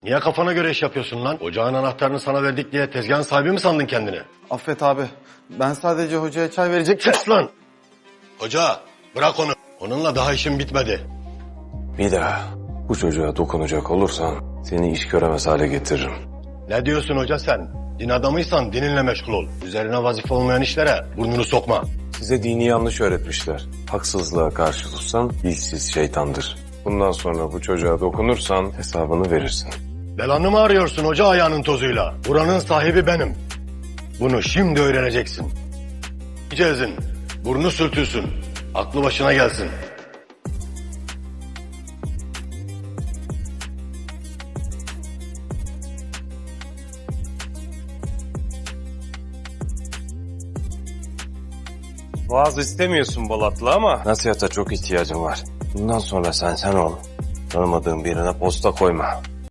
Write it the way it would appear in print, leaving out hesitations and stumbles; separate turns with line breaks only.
Niye kafana göre iş yapıyorsun lan? Ocağın anahtarını sana verdik diye tezgahın sahibi mi sandın kendini?
Affet abi. Ben sadece hocaya çay verecektim.
Kes lan! Hoca bırak onu. Onunla daha işim bitmedi.
Bir daha bu çocuğa dokunacak olursan seni iş göremez hale getiririm.
Ne diyorsun hoca sen? Din adamıysan dininle meşgul ol. Üzerine vazife olmayan işlere burnunu sokma.
Size dini yanlış öğretmişler. Haksızlığa karşı tutsan dilsiz şeytandır. Bundan sonra bu çocuğa dokunursan hesabını verirsin.
Belanı mı arıyorsun hoca ayağının tozuyla? Buranın sahibi benim. Bunu şimdi öğreneceksin. Cezin, burnu sürtülsün. Aklı başına gelsin.
Vaaz istemiyorsun Bolatlı ama nasihata çok ihtiyacım var. Bundan sonra sen ol. Tanımadığın birine posta koyma.